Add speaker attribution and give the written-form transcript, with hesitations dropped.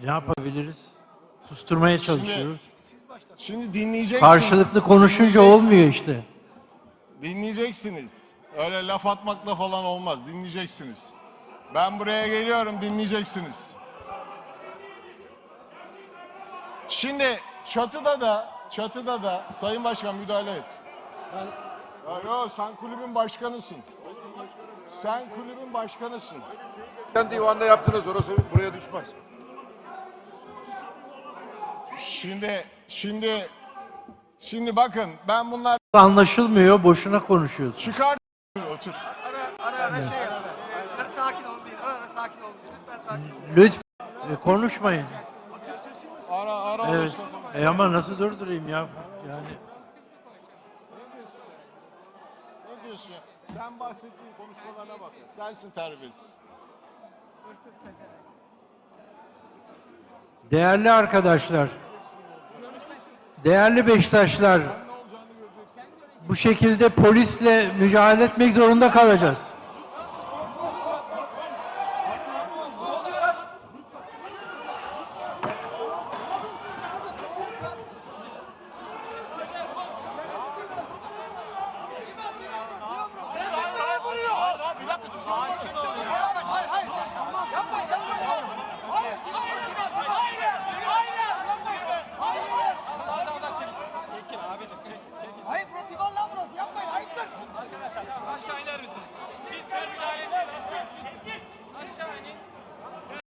Speaker 1: Ne yapabiliriz? Susturmaya çalışıyoruz.
Speaker 2: Şimdi dinleyeceksiniz.
Speaker 1: Karşılıklı konuşunca olmuyor işte.
Speaker 2: Dinleyeceksiniz. Öyle laf atmakla falan olmaz. Dinleyeceksiniz. Ben buraya geliyorum, dinleyeceksiniz. Şimdi çatıda da Sayın Başkan müdahale et. Yok, sen kulübün başkanısın. Sen kulübün başkanısın.
Speaker 3: Sen divanda yaptınız, orası buraya düşmez.
Speaker 2: Şimdi bakın, ben bunlar
Speaker 1: Anlaşılmıyor, boşuna konuşuyorsun.
Speaker 2: çıkar. Otur.
Speaker 4: Sakin olun değil. Sakin olun. Lütfen sakin olun.
Speaker 1: Lütfen konuşmayın.
Speaker 2: Ara
Speaker 1: Evet.
Speaker 2: olursa konuş.
Speaker 1: Ama nasıl durdurayım ya? Yani
Speaker 2: Ne diyorsun ya? Sen bahsettiğin konuşmalarına bak. Sensin terbiyesiz.
Speaker 1: değerli arkadaşlar, değerli Beşiktaşlar, bu şekilde polisle mücadele etmek zorunda kalacağız.